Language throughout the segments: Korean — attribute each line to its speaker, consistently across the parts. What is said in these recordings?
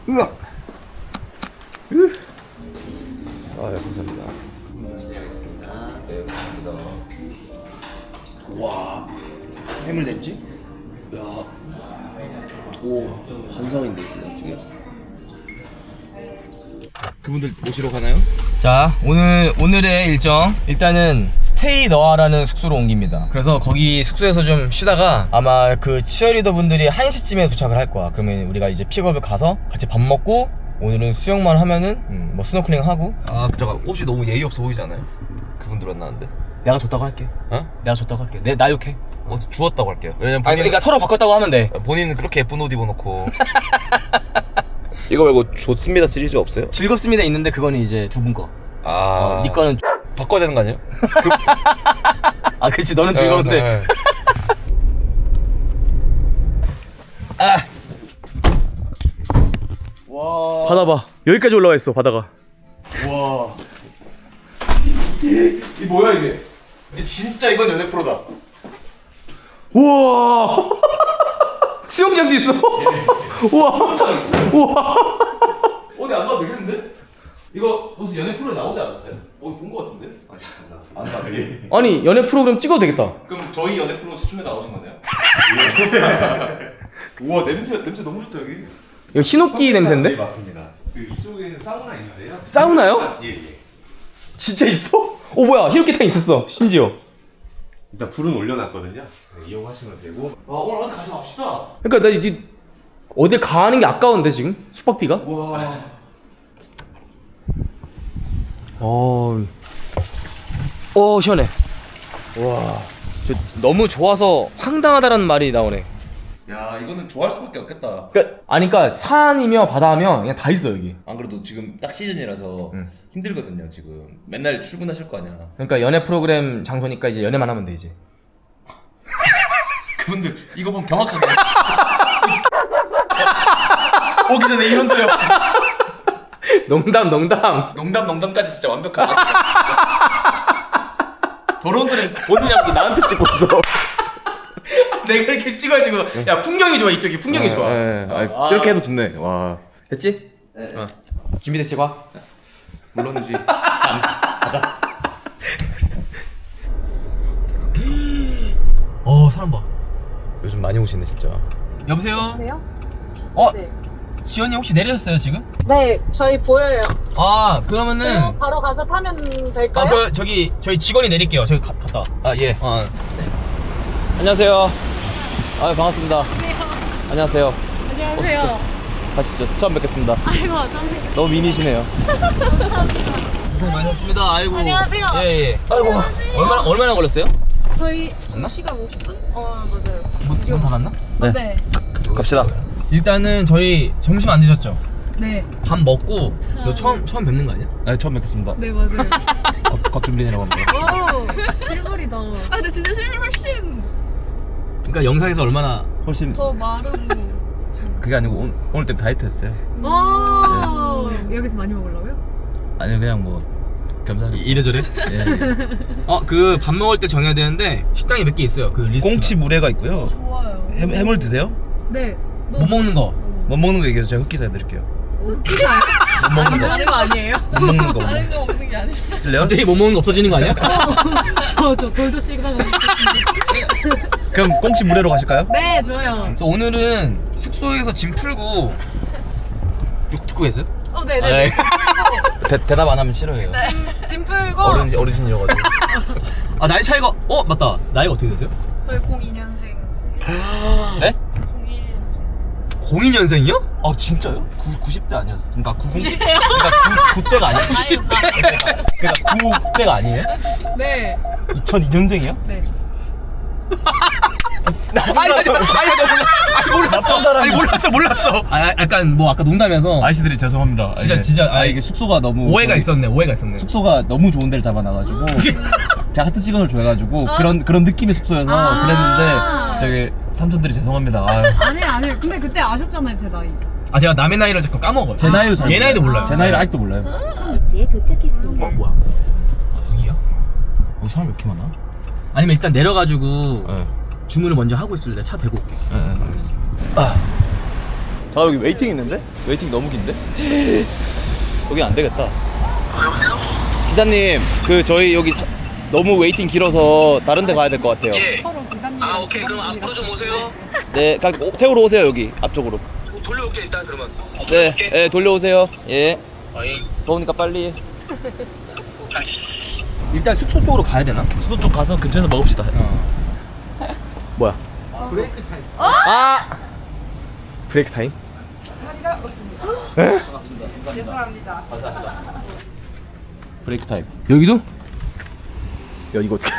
Speaker 1: 으악. 아, 예, 감사합니다. 네, 감사합니다. 와, 해물 냈지? 야, 오, 환상인데 지금. 그분들 모시러 가나요?
Speaker 2: 자, 오늘의 일정, 일단은 스테이 너아라는 숙소로 옮깁니다. 그래서 거기 숙소에서 좀 쉬다가 아마 그 치어리더 분들이 1시쯤에 도착을 할 거야. 그러면 우리가 이제 픽업을 가서 같이 밥 먹고 오늘은 수영만 하면은 뭐 스노클링 하고.
Speaker 1: 아, 잠깐, 옷이 너무 예의 없어 보이지 않아요? 그분들 만나는데.
Speaker 2: 내가 줬다고 할게.
Speaker 1: 어?
Speaker 2: 내가 줬다고 할게. 나 욕해.
Speaker 1: 옷 주웠다고 할게요. 왜냐면
Speaker 2: 아니, 그러니까 서로 바꿨다고 하면 돼.
Speaker 1: 본인은 그렇게 예쁜 옷 입어놓고. 이거 말고 좋습니다 시리즈 없어요?
Speaker 2: 즐겁습니다 있는데 그거는 이제 두 분 거.
Speaker 1: 아,
Speaker 2: 네 거는
Speaker 1: 바꿔야 되는 거 아니에요?
Speaker 2: 아, 그치, 너는 즐거운데.
Speaker 1: 네.
Speaker 2: 아. 와. 바다 봐. 여기까지 올라와 있어, 바다가.
Speaker 1: 와. 이 뭐야 이게? 진짜 이건 연애 프로다.
Speaker 2: 우와. 수영장도 있어. 우와. 우와.
Speaker 1: 어디 안 가도 되겠는데? 이거 무슨 연애 프로에 나오지 않았어요? 어디 본 거 같은데? 아니 안 나왔어요.
Speaker 2: 아니, 연애 프로그램 찍어도 되겠다.
Speaker 1: 그럼 저희 연애 프로 최초에 나오신 거네요? 우와, 냄새 너무 좋다 여기.
Speaker 2: 이거 히노끼 냄새인데?
Speaker 3: 네, 맞습니다. 그 이쪽에는 사우나 있는데요.
Speaker 2: 사우나요?
Speaker 3: 예.
Speaker 2: 진짜 있어? 오, 뭐야, 히노끼탕 있었어, 심지어.
Speaker 3: 일단 불은 올려놨거든요. 네, 이용하시면 되고.
Speaker 1: 와, 오늘 어디 가서 갑시다.
Speaker 2: 그러니까 나 어딜 가는 게 아까운데 지금 숙박비가?
Speaker 1: 와.
Speaker 2: 시원해. 와, 너무 좋아서 황당하다라는 말이 나오네.
Speaker 1: 야, 이거는 좋아할 수밖에 없겠다.
Speaker 2: 그러니까 산이며 바다며 그냥 다 있어 여기.
Speaker 1: 안 그래도 지금 딱 시즌이라서
Speaker 2: 응.
Speaker 1: 힘들거든요 지금. 맨날 출근하실 거 아니야.
Speaker 2: 그러니까 연애 프로그램 장소니까 이제 연애만 하면 돼 이제.
Speaker 1: 그분들 이거 보면 경악하게. 오기 전에 이런 소리.
Speaker 2: 농담.
Speaker 1: 농담까지 진짜 완벽하다. 더러운 소리는 본인이 하면서 나한테 찍고 있어.
Speaker 2: 내가 이렇게 찍어가지고 야 풍경이 좋아 이쪽이 풍경이 좋아.
Speaker 1: 이렇게 해도 좋네. 와.
Speaker 2: 됐지?
Speaker 1: 네.
Speaker 2: 준비됐지 봐.
Speaker 1: 물론이지.
Speaker 2: 사람 봐.
Speaker 1: 요즘 많이 오시네 진짜.
Speaker 2: 여보세요?
Speaker 4: 여보세요?
Speaker 2: 네. 지연이 혹시 내리셨어요 지금?
Speaker 4: 네, 저희 보여요.
Speaker 2: 그러면은
Speaker 4: 바로 가서 타면 될까요?
Speaker 2: 저기 저희 직원이 내릴게요. 저기 갔다.
Speaker 1: 아 예. 안녕하세요. 아 반갑습니다. 안녕하세요.
Speaker 4: 안녕하세요.
Speaker 1: 가시죠. 처음 뵙겠습니다.
Speaker 4: 아이고, 좀
Speaker 1: 너무 미니시네요.
Speaker 2: 고생 많으셨습니다. 아이고.
Speaker 4: 안녕하세요.
Speaker 2: 예.
Speaker 1: 아이고.
Speaker 2: 얼마나 걸렸어요?
Speaker 4: 저희
Speaker 2: 맞나?
Speaker 4: 2시간 50분? 맞아요.
Speaker 2: 지금 다 났나?
Speaker 1: 네.
Speaker 4: 네.
Speaker 1: 갑시다.
Speaker 2: 일단은 저희 점심 안 드셨죠?
Speaker 4: 네.
Speaker 2: 밥 먹고 너 처음 뵙는 거 아니야?
Speaker 1: 네 처음 뵙겠습니다.
Speaker 4: 네, 맞아요.
Speaker 1: 곽준빈이라고 합니다.
Speaker 4: 오, 실물이다. 아, 근데 진짜 실물 훨씬
Speaker 2: 그러니까 영상에서 얼마나
Speaker 1: 훨씬
Speaker 4: 더 마르고.
Speaker 1: 그게 아니고 오늘 때문에 다이어트 했어요.
Speaker 4: 오, 여기서 많이 먹으려고요?
Speaker 1: 아니요 그냥 뭐 겸사겸사.
Speaker 2: 이래저래?
Speaker 1: 예.
Speaker 2: 그 밥 먹을 때 정해야 되는데 식당이 몇 개 있어요. 그 리스트.
Speaker 1: 꽁치 물회가 있고요.
Speaker 4: 좋아요.
Speaker 1: 해물 드세요?
Speaker 4: 네.
Speaker 2: 못 먹는 거.
Speaker 1: 못 먹는 거 얘기해서 제가 흑기사 해드릴게요.
Speaker 4: 웃기사요?
Speaker 1: 못 먹는 거.
Speaker 4: 다른 거 아니에요?
Speaker 1: 못 먹는 거.
Speaker 4: 다른 거 없는 게 아니라.
Speaker 1: 들려요?
Speaker 2: 갑자기 못 먹는 거 없어지는 거 아니야?
Speaker 4: 저 돌도 시그널.
Speaker 1: 그럼 꽁치 물회로 가실까요?
Speaker 4: 네, 좋아요.
Speaker 2: 그래서 오늘은 숙소에서 짐 풀고 듣고 계세요?
Speaker 4: 네네.
Speaker 1: 대답 안 하면 싫어해요.
Speaker 4: 짐 풀고.
Speaker 1: 어르신이어가지고.
Speaker 2: 나이 차이가 맞다. 나이가 어떻게 되세요?
Speaker 4: 저희 02년생.
Speaker 2: 네?
Speaker 4: 01년생.
Speaker 2: 02년생이요?
Speaker 1: 아 진짜요? 90대 아니었어? 그러니까 90. 그러니까 9대가 아니에요?
Speaker 2: 90대?
Speaker 1: 그러니까 9대가 아니에요?
Speaker 4: 네.
Speaker 1: 2002년생이요?
Speaker 4: 네.
Speaker 2: 몰랐어. 약간 뭐 아까 농담해서
Speaker 1: 아저씨들이 죄송합니다.
Speaker 2: 진짜
Speaker 1: 이게 숙소가 너무
Speaker 2: 오해가
Speaker 1: 저기
Speaker 2: 있었네.
Speaker 1: 숙소가 너무 좋은 데를 잡아놔가지고 제가 하트 시그널 줘가지고 그런 느낌의 숙소여서
Speaker 4: 아.
Speaker 1: 그랬는데 저기 삼촌들이 죄송합니다. 아유.
Speaker 4: 아니에요. 근데 그때 아셨잖아요, 제 나이.
Speaker 2: 제가 남의 나이를 자꾸 까먹어요.
Speaker 1: 제 나이도 잘
Speaker 2: 얘 나이도 몰라요.
Speaker 1: 제 나이를 아직도 몰라요.
Speaker 5: 지에 도착했습니다.
Speaker 2: 뭐야? 여기야?
Speaker 1: 여기 사람 왜 이렇게 많아?
Speaker 2: 아니면 일단 내려가지고
Speaker 1: 네.
Speaker 2: 주문을 먼저 하고 있을래. 차 대고 올게.
Speaker 1: 알겠습니다. 자 여기 웨이팅 있는데? 웨이팅 너무 긴데? 여기 안 되겠다. 여보세요? 기사님 그 저희 여기 너무 웨이팅 길어서 다른 데 가야 될 것 같아요.
Speaker 6: 예. 아 오케이 그럼 앞으로 좀 오세요.
Speaker 1: 네, 태우러 오세요 여기 앞쪽으로.
Speaker 6: 돌려올게 일단 그러면.
Speaker 1: 네, 네 돌려오세요. 예.
Speaker 6: 어이.
Speaker 1: 더우니까 빨리.
Speaker 2: 일단 숙소 쪽으로 가야 되나?
Speaker 1: 수도 쪽 가서 근처에서 먹읍시다.
Speaker 2: 뭐야? 브레이크 타임. 아 브레이크 타임?
Speaker 1: 반갑습니다. 죄송합니다. 감사합니다. 브레이크 타임.
Speaker 2: 여기도? 야 이거 어떻게?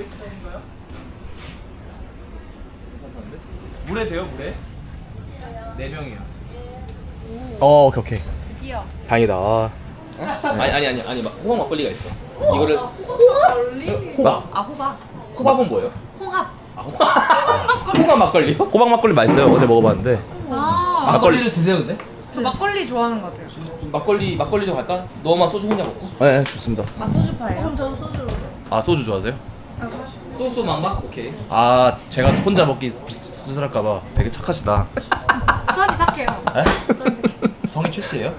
Speaker 1: 물에 돼요 물에? 4명이요.
Speaker 2: 오케이.
Speaker 4: 드디어.
Speaker 2: 다행이다.
Speaker 1: 아니 막 호박 막걸리가 있어. 이거를
Speaker 2: 호박?
Speaker 4: 호박.
Speaker 2: 호박은 뭐예요?
Speaker 4: 홍합.
Speaker 2: 호박 막걸리요? 호박 막걸리 맛있어요. 어제 먹어봤는데. 막걸리를 드세요 근데?
Speaker 4: 저 막걸리 좋아하는 것 같아요.
Speaker 2: 막걸리도 갈까? 너만 소주 혼자 먹고? 네 좋습니다.
Speaker 4: 소주파예요? 그럼 저는 소주로.
Speaker 1: 아 소주 좋아하세요?
Speaker 2: 소스 막막? 오케이.
Speaker 1: 아 제가 혼자 먹기 씁쓸할까봐 되게 착하시다.
Speaker 4: 수환이 착해요.
Speaker 1: 성이 최 씨예요?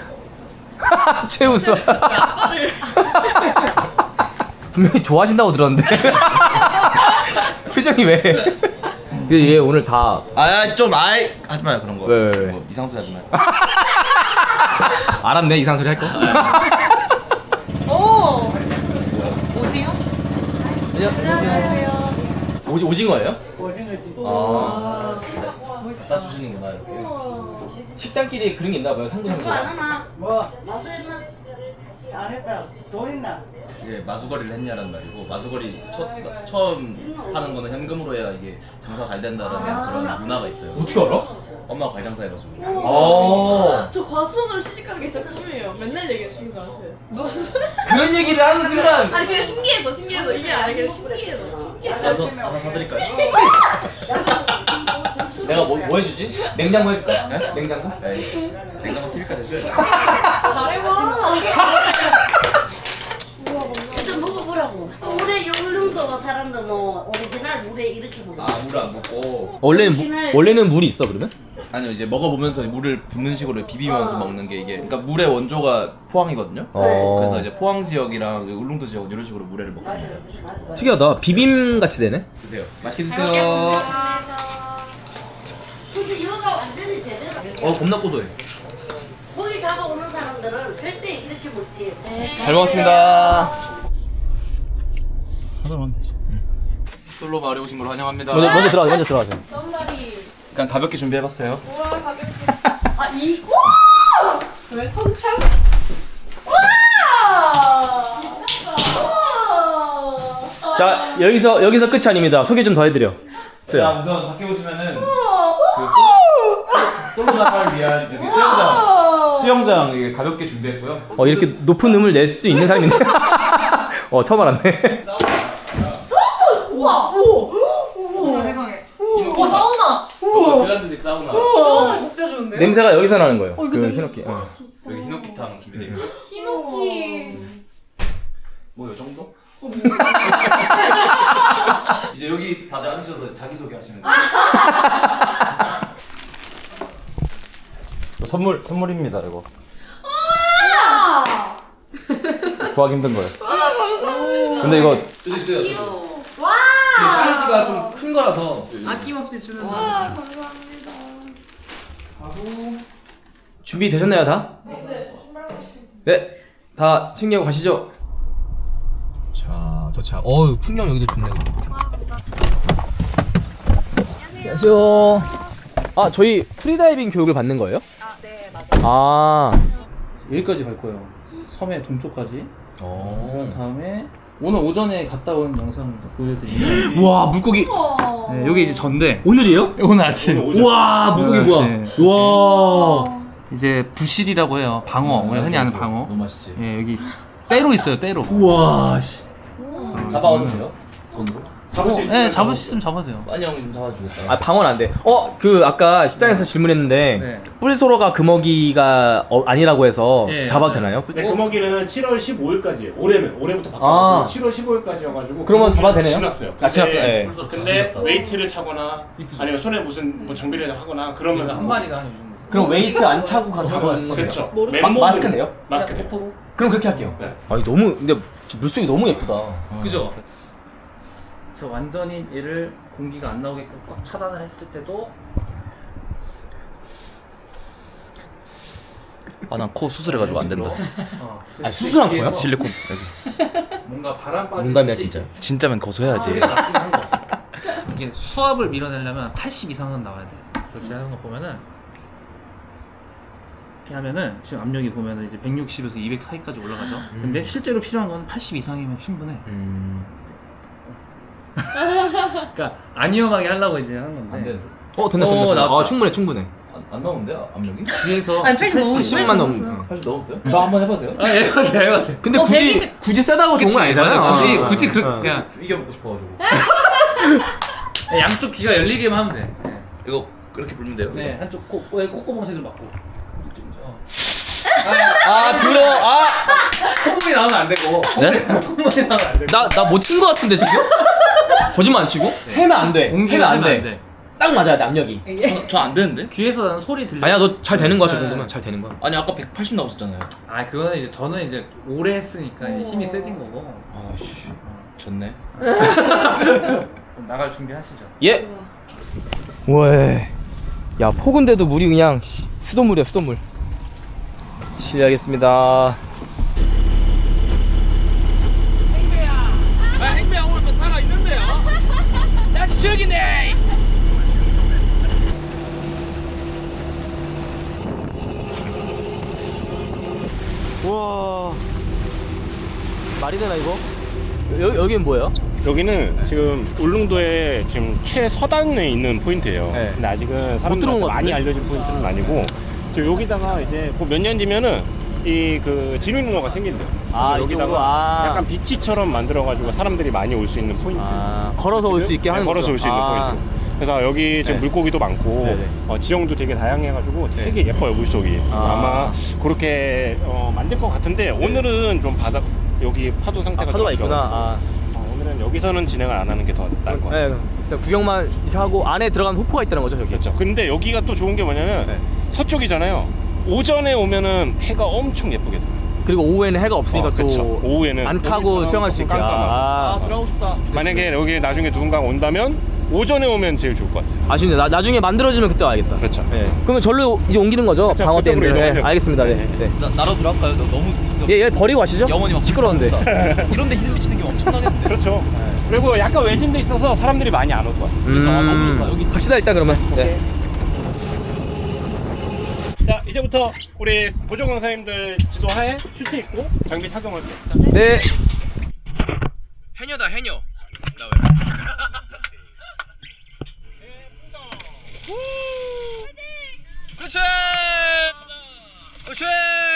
Speaker 2: 최우수. 분명히 좋아하신다고 들었는데. 표정이 왜? 근데 얘 오늘 다
Speaker 1: 좀 하지 마요 그런 거.
Speaker 2: 왜?
Speaker 1: 뭐 이상소리 하지 마요.
Speaker 2: 알았네 이상소리 할 거.
Speaker 4: 오. 오징어?
Speaker 2: 안녕하세요. 오징어예요?
Speaker 4: 오징어지.
Speaker 2: 아.
Speaker 1: 갖다 주시는구나 이렇게.
Speaker 2: 식당끼리 그런 게 있나 봐요. 상부상부.
Speaker 7: 뭐 마수했나? 안 했다. 돈 있나?
Speaker 1: 이게 마수거리를 했냐라는 말이고 마수거리 처음 하는 거는 현금으로 해야 이게 장사 잘 된다라는 그런 문화가 있어요.
Speaker 2: 어떻게 알아?
Speaker 1: 엄마가 관장사해가지고.
Speaker 4: 저 과수원으로 시집가는 게 진짜 꿈이에요. 맨날 얘기해주는 저한테.
Speaker 2: 그런 얘기를 하는 순간
Speaker 4: 아니 그냥 신기해서 이게 아니라 그냥 신기해서.
Speaker 1: 가서 하나 사드릴까요?
Speaker 2: 내가 뭐 해주지? 냉장고 해줄까? 네? 냉장고?
Speaker 1: 네. 냉장고 TV까지 해줘야죠.
Speaker 4: 잘해봐.
Speaker 7: 좀 먹어보라고. 물에 요령도가 사람들 뭐 오리지널 물에 이렇게 먹어.
Speaker 1: 아 물을 안 붓고.
Speaker 2: 원래는 물이 있어 그러면?
Speaker 1: 아니요 이제 먹어보면서 물을 붓는 식으로 비비면서 먹는 게 이게 그러니까 물의 원조가 포항이거든요. 그래서 이제 포항 지역이랑 울릉도 지역 이런 식으로 물회를 먹습니다.
Speaker 2: 특이하다. 비빔 같이 되네.
Speaker 1: 드세요.
Speaker 2: 맛있게 드세요.
Speaker 7: 근데 이거가 완전히 제대로.
Speaker 2: 겁나 고소해.
Speaker 7: 고기 잡아오는 사람들은 절대 이렇게 먹지.
Speaker 2: 잘 먹었습니다.
Speaker 1: 하나만 되죠. 솔로 마을에 오신 걸 환영합니다.
Speaker 2: 먼저 들어가세요.
Speaker 4: 썸머리.
Speaker 1: 그냥 가볍게 준비해봤어요.
Speaker 4: 우와 가볍게. 와! 왜 통창? 와!
Speaker 2: 자 여기서 끝이 아닙니다. 소개 좀 더 해드려.
Speaker 1: 자 우선 밖에 보시면은 그 솔로 나를 위한 여기 수영장 이게 가볍게 준비했고요.
Speaker 2: 이렇게 높은 음을 낼 수 있는 사람인데. 처음 알았네.
Speaker 4: 우와 세상에. 오 사우나.
Speaker 1: 핀란드식 사우나.
Speaker 4: 사우나 진짜 좋은데요?
Speaker 2: 냄새가 여기서 나는 거예요. 그 히노키.
Speaker 1: 여기 히노키탕 준비되어 있고요.
Speaker 4: 히노키.
Speaker 1: 뭐 요 정도? 이제 여기 다들 앉으셔서 자기소개 하시면 돼요. 선물입니다 이거. 구하기 힘든 거예요. 근데 이거
Speaker 4: 와!
Speaker 2: 사이즈가 좀 큰 거라서
Speaker 4: 아낌없이 주는 거. 와 감사합니다.
Speaker 2: 준비 되셨나요 다? 네, 다 챙겨 가시죠. 자, 도착. 풍경 여기도 좋네. 안녕하세요. 저희 프리다이빙 교육을 받는 거예요?
Speaker 4: 네 맞아요.
Speaker 8: 여기까지 갈 거예요. 섬의 동쪽까지. 다음에 오늘 오전에 갔다 온 영상 보여드리면.
Speaker 2: 우와, 물고기.
Speaker 8: 네, 여기 이제 전데.
Speaker 2: 오늘이에요?
Speaker 8: 오늘 아침.
Speaker 2: 우와, 물고기
Speaker 8: 오늘
Speaker 2: 뭐야?
Speaker 8: 아침.
Speaker 2: 우와.
Speaker 8: 이제 부실이라고 해요. 방어. 우리가 흔히 아는 방어.
Speaker 1: 너무 맛있지.
Speaker 8: 예, 여기 때로 있어요. 때로.
Speaker 2: 우와, 씨.
Speaker 1: 잡아오면 돼요? 손으로?
Speaker 8: 잡을 수 있으면. 네, 잡을 수 있으면 잡아도 돼요.
Speaker 1: 빨리 형이 좀 잡아주겠다.
Speaker 2: 방어는 안 돼. 아까 식당에서 질문했는데
Speaker 8: 네.
Speaker 2: 뿔소로가 금어기가 아니라고 해서
Speaker 8: 네,
Speaker 2: 잡아도
Speaker 8: 맞아요.
Speaker 2: 되나요?
Speaker 3: 네, 금어기는 7월 15일까지예요. 올해부터 바뀌었고 7월 15일까지여가지고
Speaker 2: 그러면 잡아도 되네요?
Speaker 3: 지났어요.
Speaker 2: 지났죠. 네.
Speaker 3: 근데 웨이트를 차거나 아니면 손에 무슨 뭐 장비를 하거나 그러면
Speaker 8: 한 마리가 한 이 정도.
Speaker 2: 그럼 웨이트 안 차고 가서 잡아야 되는 거죠?
Speaker 3: 그렇죠.
Speaker 4: 모르-
Speaker 2: 마스크네요?
Speaker 3: 마스크 대.
Speaker 2: 그럼 그렇게 할게요.
Speaker 3: 네.
Speaker 2: 아니 너무 근데 물속이 너무 예쁘다.
Speaker 8: 그죠? 그래서 완전히 얘를 공기가 안 나오게끔 꽉 차단을 했을 때도
Speaker 1: 아 난 코 수술해가지고 안 된다.
Speaker 2: 아 수술한 거야?
Speaker 1: 실리콘 여기.
Speaker 8: 뭔가 바람 빠지듯이
Speaker 2: 농담이야 진짜.
Speaker 1: 진짜면 거소해야지.
Speaker 8: 이게 수압을 밀어내려면 80 이상은 나와야 돼. 그래서 제가 하는 거 보면은 이렇게 하면은 지금 압력이 보면은 이제 160에서 200 사이까지 올라가죠. 근데 실제로 필요한 건 80 이상이면 충분해. 그러니까 안 위험하게 하려고 이제 하는 건데.
Speaker 2: 된다.
Speaker 8: 나왔다.
Speaker 2: 아 충분해.
Speaker 1: 안 나오는데 압력이?
Speaker 8: 뒤에서
Speaker 4: 아니 80 너무
Speaker 2: 10만 넘.
Speaker 1: 80 넘었어요? 저 한번 해봐도 돼요?
Speaker 8: 아, 해봐.
Speaker 2: 근데
Speaker 4: 어,
Speaker 2: 굳이
Speaker 4: 120.
Speaker 2: 굳이 세다고 좋은 건 아니잖아요.
Speaker 8: 굳이 그냥
Speaker 1: 이겨보고 싶어가지고.
Speaker 8: 양쪽 귀가 열리게만 하면 돼. 네.
Speaker 1: 이거 그렇게 불면 돼요?
Speaker 8: 네, 한쪽 콧구멍 세줄 맞고.
Speaker 2: 아 들어.
Speaker 8: 콧구멍이 나오면 안 되고.
Speaker 1: 네?
Speaker 8: 콧구멍이 나오면 안 되고.
Speaker 2: 나 못 튄 거 같은데 지금? 거짓말 안 치고? 세면 안 돼.
Speaker 8: 공기가
Speaker 2: 세면 안
Speaker 8: 나면
Speaker 2: 돼. 딱 맞아야 돼 압력이.
Speaker 1: 저 안 되는데?
Speaker 8: 귀에서 나는 소리 들려.
Speaker 2: 아니야 너 잘 되는 거야 저
Speaker 8: 네.
Speaker 2: 정도면 잘 되는 거야.
Speaker 1: 아니 아까 180 나왔었잖아요.
Speaker 8: 아, 그거는 이제 저는 이제 오래 했으니까 이제 힘이 세진 거고.
Speaker 1: 아씨 졌네.
Speaker 8: 그럼 나갈 준비하시죠.
Speaker 2: 예. 왜? 야 폭은데도 물이 그냥 수돗물이야 수돗물. 실례하겠습니다. 행배야 오늘 또 살아 있는데요. 다시 죽이네. 우와 말이 되나 이거? 여기는 뭐예요?
Speaker 3: 여기는 지금 울릉도에 지금 최서단에 있는 포인트예요.
Speaker 2: 네.
Speaker 3: 근데 아직은
Speaker 2: 들어온
Speaker 3: 사람들한테
Speaker 2: 것
Speaker 3: 많이
Speaker 2: 같은데?
Speaker 3: 알려진 포인트는 아니고 지금 여기다가 이제 몇 년 뒤면은 이 그 진흙농어가 생긴대요.
Speaker 2: 아,
Speaker 3: 그래서
Speaker 2: 이쪽으로?
Speaker 3: 여기다가
Speaker 2: 아.
Speaker 3: 약간 비치처럼 만들어가지고 사람들이 많이 올 수 있는 포인트.
Speaker 2: 걸어서 올 수
Speaker 3: 지금?
Speaker 2: 있게 하는
Speaker 3: 네, 걸어서
Speaker 2: 거죠?
Speaker 3: 올 수 있는 포인트. 그래서 여기 지금
Speaker 2: 네.
Speaker 3: 물고기도 많고
Speaker 2: 네네.
Speaker 3: 지형도 되게 다양해가지고 되게 예뻐요 물속이. 아마 그렇게 만들 것 같은데 오늘은 좀 바다 여기 파도 상태가
Speaker 2: 파도가
Speaker 3: 좀
Speaker 2: 있구나.
Speaker 3: 오늘은 여기서는 진행을 안 하는 게 더 나을 것 같아요.
Speaker 2: 네, 구경만 이렇게 하고 안에 들어가면 호포가 있다는 거죠, 저기.
Speaker 3: 그렇죠. 근데 여기가 또 좋은 게 뭐냐면
Speaker 2: 네.
Speaker 3: 서쪽이잖아요. 오전에 오면은 해가 엄청 예쁘게 들어요.
Speaker 2: 그리고 오후에는 해가 없으니까 또
Speaker 3: 그쵸. 오후에는
Speaker 2: 안 타고 수영할 수 있게.
Speaker 3: 깜깜하고.
Speaker 1: 들어가고 싶다.
Speaker 3: 만약에 여기 나중에 누군가가 온다면 오전에 오면 제일 좋을 것 같아요.
Speaker 2: 아쉽네. 나중에 만들어지면 그때 와야겠다.
Speaker 3: 그렇죠.
Speaker 2: 네. 그러면 절로 이제 옮기는 거죠?
Speaker 3: 그쵸,
Speaker 2: 방어
Speaker 3: 그쪽으로
Speaker 2: 때인데. 네,
Speaker 3: 이동하려고.
Speaker 2: 알겠습니다. 네. 네.
Speaker 1: 나로 들어갈까요? 너무
Speaker 2: 얘 버리고 가시죠?
Speaker 1: 영원히 막
Speaker 2: 시끄러운데.
Speaker 1: 이런데 히든 비치 생기면 엄청나겠는데.
Speaker 3: 그렇죠. 그리고 약간 외진데 있어서 사람들이 많이 안 올 거야.
Speaker 1: 아, 너무 좋다. 여기
Speaker 2: 갑시다 일단 그러면. 네.
Speaker 3: 자, 이제부터 우리 보조 강사님들 지도하에 슈트 입고 장비 착용할게요. 자,
Speaker 2: 네. 해녀다 해녀. 그렇지. 그렇지.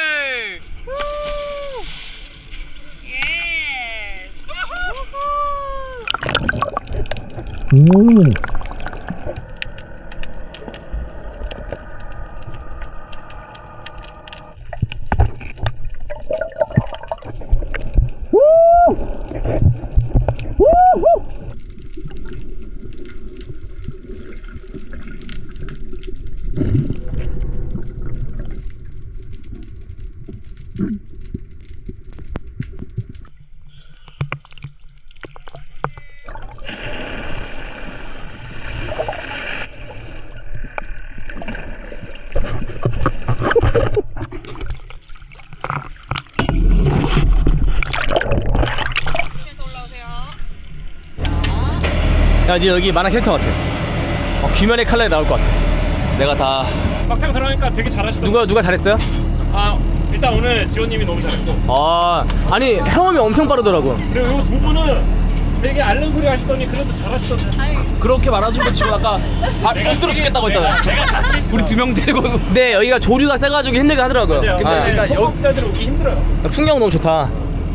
Speaker 2: 야, 니 여기 만화 캐릭터 같아. 귀면의 칼날이 나올 것 같아.
Speaker 1: 내가 다
Speaker 3: 막상 들어가니까 되게 잘하시더라고요.
Speaker 2: 누가 잘했어요?
Speaker 3: 일단 오늘 지원님이 너무 잘했고
Speaker 2: 아니 헤엄이 엄청 빠르더라고.
Speaker 3: 그리고 이 두 분은 되게 앓는 소리 하시더니 그래도 잘하시던데.
Speaker 1: 그렇게 말아준 거 치고 아까 힘들어 죽겠다고 했잖아요. 우리 2명 데리고.
Speaker 2: 네, 여기가 조류가 세가지고 힘들게 하더라고요.
Speaker 3: 맞아요. 근데
Speaker 2: 그러니까
Speaker 3: 초보자들 오기 힘들어요.
Speaker 2: 풍경 너무 좋다.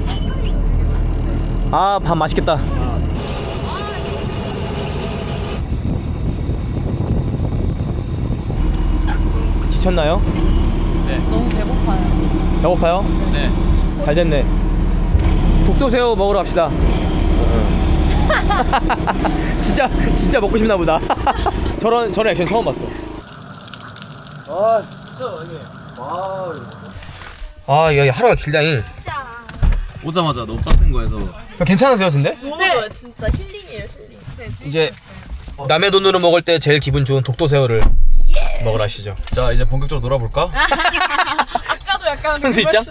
Speaker 2: 밥 맛있겠다. 지쳤나요?
Speaker 4: 너무 배고파요.
Speaker 2: 배고파요?
Speaker 1: 네.
Speaker 2: 잘 됐네. 독도새우 먹으러 갑시다. 진짜 먹고 싶나 보다. 저런 액션 처음 봤어. 아, 이거 하루가 길다니.
Speaker 1: 오자마자 너무 빡센 거에서
Speaker 2: 괜찮으세요, 근데?
Speaker 4: 네, 진짜 힐링이에요, 힐링. 네,
Speaker 2: 이제 남의 돈으로 먹을 때 제일 기분 좋은 독도새우를 먹으라시죠.
Speaker 1: 자 이제 본격적으로 놀아볼까?
Speaker 4: 아까도 약간
Speaker 2: 선수 입장?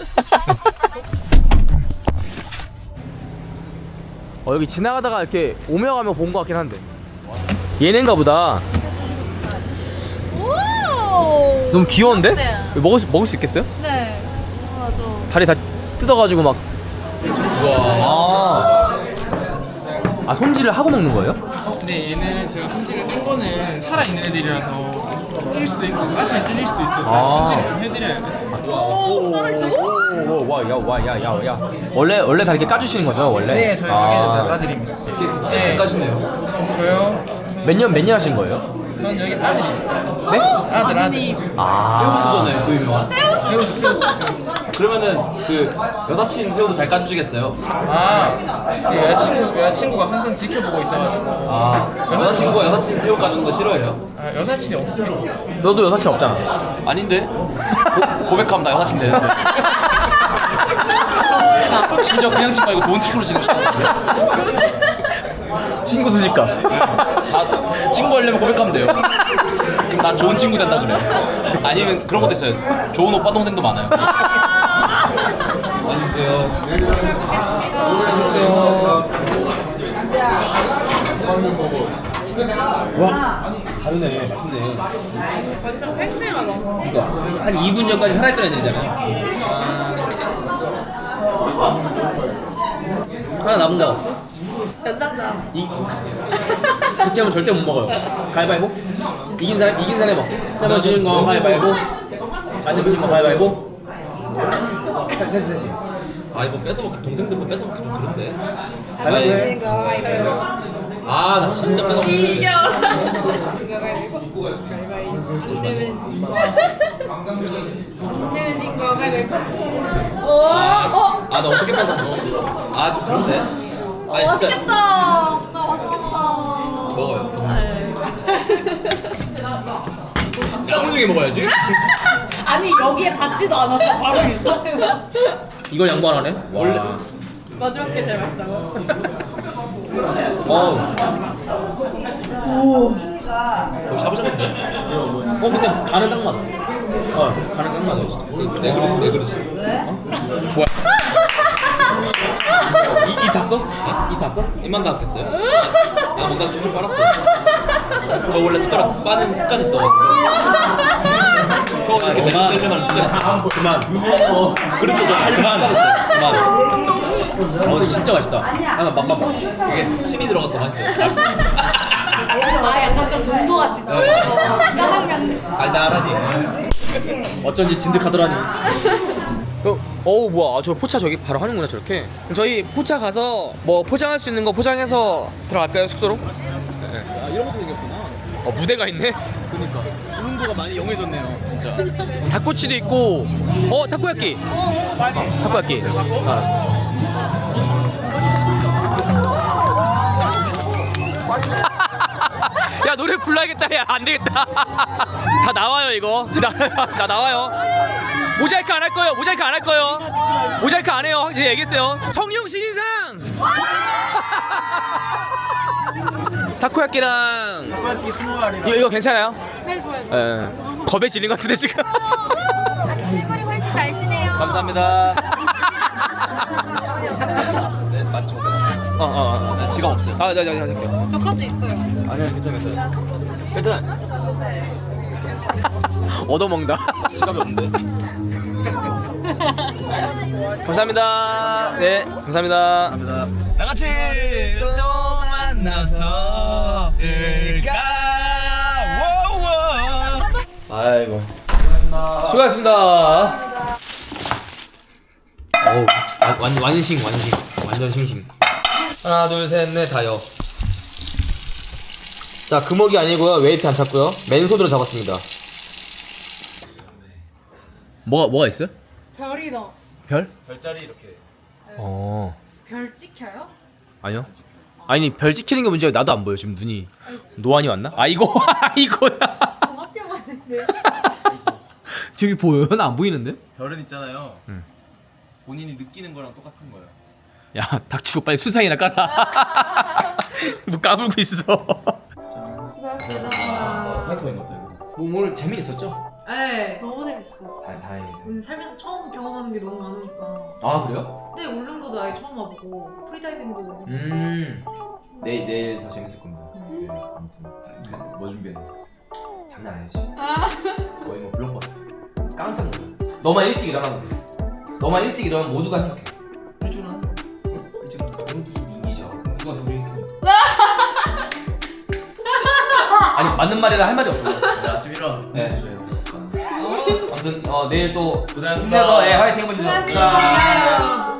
Speaker 2: 여기 지나가다가 이렇게 오며 가며 본 것 같긴 한데. 얘네인가 보다.
Speaker 4: 오.
Speaker 2: 너무 귀여운데?
Speaker 4: 네.
Speaker 2: 먹을 수 있겠어요?
Speaker 4: 네. 맞아.
Speaker 2: 다리 다 뜯어가지고 막. 아, 손질을 하고 먹는 거예요?
Speaker 9: 근데 얘는 제가 손질을 쓴 거는 살아있는 애들이라서 찔릴 수도 있고 가시에 찔릴 수도 있어서 손질을 좀 해드려야 돼요.
Speaker 2: 야. 원래 다 이렇게 까주시는 거죠, 원래?
Speaker 9: 네, 저희 가게는 다 까드립니다.
Speaker 1: 잘 까시네요.
Speaker 9: 저요?
Speaker 2: 몇 년 하신 거예요?
Speaker 9: 전 여기 아들입니다.
Speaker 2: 네?
Speaker 9: 아들.
Speaker 1: 새우수잖아요 그 유명한. 새우수. 그러면은 그 여사친 새우도 잘 까주시겠어요?
Speaker 9: 네, 여자친구가 항상 지켜보고 있어가지고.
Speaker 1: 아 여자친구가 여사친 새우 까주는 거 싫어해요?
Speaker 9: 여사친이 없습니다.
Speaker 2: 너도 여사친 없잖아.
Speaker 1: 아닌데? 고백하면 나 여사친 되는데. 심지어 그냥 친구 말고 좋은 친구로 지내고 싶었는데.
Speaker 2: 친구 수집가.
Speaker 1: 다 친구 하려면 고백하면 돼요. 난 좋은 친구 된다 그래. 아니면 그런 것도 있어요. 좋은 오빠 동생도 많아요. 안녕하세요.
Speaker 2: 와, 다르네. 맛있네.
Speaker 4: 완전 팽팽하다.
Speaker 2: 그러니까 한 2분 전까지 살아있던 애들이잖아요. 하나 남은 거.
Speaker 4: 연장자.
Speaker 2: 그렇게 하면 절대 못 먹어요. 가위바위보? 이긴 사람이 먹게. 그다음에 지는 거 가위바위보. 안 되면 지는 거 가위바위보. 셋이.
Speaker 1: 아 이거 뺏어 먹기 동생들 거 뺏어 먹기 좀 그런데.
Speaker 2: 가위바위보.
Speaker 1: 아 나 진짜 뺏어 먹기 싫은데. 아 나 어떻게 뺏어 먹어? 아 좀 그런데. 아니 진짜
Speaker 4: 맛있겠다. 나 맛있겠다.
Speaker 1: 먹어요.
Speaker 4: 네.
Speaker 1: 짱 훌륭히 먹어야지.
Speaker 4: 아니 여기에 닿지도 않았어. 바로 일선에서.
Speaker 2: 이걸 양보 안 하네?
Speaker 1: 원래
Speaker 4: 마지막 게 제일 맛있다고.
Speaker 1: 거의 샤브샤브인데.
Speaker 2: 근데 간은 딱 맞아. 간은 딱 맞아 진짜.
Speaker 1: 내 그릇.
Speaker 2: 뭐야? 이 탔어? 이 탔어?
Speaker 1: 입만 닿았겠어요? 아 뭔가 쭉쭉 빨았어. 저 원래 숟가락 빠는 습관 있어. 형 이렇게 내려가는 습관 있어.
Speaker 2: 그만.
Speaker 1: 그릇도 좀 빨리 습관 있어.
Speaker 2: 그만. 이거 진짜 맛있다. 하나 맛봐.
Speaker 1: 그게 침이 들어가서 더 맛있어요.
Speaker 4: 아 약간 좀 농도가 짙어. 짜장면.
Speaker 1: 달달하니.
Speaker 2: 어쩐지 진득하더라니. 어우 뭐야, 저 포차 저기 바로 하는구나 저렇게. 그럼 저희 포차 가서 뭐 포장할 수 있는 거 포장해서 들어갈까요, 숙소로?
Speaker 1: 아 이런 것도 생겼구나.
Speaker 2: 무대가 있네.
Speaker 1: 그러니까 울릉도가 많이 영해졌네요, 진짜.
Speaker 2: 닭꼬치도 있고, 타코야끼. 타코야끼. 야, 노래 불러야겠다. 야, 안 되겠다. 다 나와요 이거. 나 나와요. 모자이크 안 할 거예요. 모자이크 안 할 거예요. 모자이크 안 해요. 이제 얘기했어요. 청룡 신인상. 타코야끼랑.
Speaker 1: 타코야끼 20알이.
Speaker 2: 이거 괜찮아요?
Speaker 4: 네 좋아요.
Speaker 2: 예. 겁에 질린 것 같은데 지금.
Speaker 5: 아니 실물이 훨씬 날씬해요.
Speaker 1: 감사합니다. 네, 11,500원. 네, 지갑 없어요.
Speaker 2: 네.
Speaker 4: 저 카드 있어요.
Speaker 1: 아니야, 괜찮아요. 괜찮아요.
Speaker 2: 얻어먹는다.
Speaker 1: 지갑이 없는데.
Speaker 2: 감사합니다. 네, 감사합니다.
Speaker 1: 감사합니다. 나같이 또 만나서 일까.
Speaker 2: 아이고. 수고하셨습니다. 어우, 완신. 완전 싱싱. 하나, 둘, 셋, 넷, 다요. 자, 금어기 아니고요. 웨이트 안 찼고요. 맨손으로 잡았습니다. 뭐가 있어요?
Speaker 4: 별이 너.
Speaker 2: 별?
Speaker 1: 별자리 이렇게.
Speaker 4: 별 찍혀요?
Speaker 2: 아니요. 아니, 별 찍히는 게 문제야. 나도 안 보여. 지금 눈이. 노안이 왔나? 이거야.
Speaker 4: 종합병 왔는데.
Speaker 2: 저기 보여요? 나 안 보이는데?
Speaker 1: 별은 있잖아요. 본인이 느끼는 거랑 똑같은 거예요.
Speaker 2: 야 닥치고 빨리 수상이나 깔아. 뭐 까불고 있어.
Speaker 4: 고생하셨습니다.
Speaker 2: 화이트인 것도 이거. 오늘 재미있었죠?
Speaker 4: 네, 너무 재밌었어요.
Speaker 2: 다행이네.
Speaker 4: 오늘 살면서 처음 경험하는 게 너무 많으니까.
Speaker 2: 아 그래요?
Speaker 4: 네, 울릉도도 아예 처음 와보고 프리다이빙도.
Speaker 2: 내일 더 재밌을 겁니다. 네, 아무튼
Speaker 1: 뭐 준비했나?
Speaker 2: 장난 아니지. 거의 뭐 블록버스터. 깜짝 놀라. 너만 일찍 일어나면 돼. 너만 일찍 일어나면 모두가 행복해. 일찍 일어나. 일찍 일어나. 오늘도 좀 이기죠. 누가 둘이 있어. 아니 맞는 말이라 할 말이 없어.
Speaker 1: 아침 일어나서
Speaker 2: 네. 아무튼 내일 또
Speaker 1: 고생하셨습니다.
Speaker 2: 힘내서 화이팅 해보시죠.
Speaker 4: 고생하셨습니다.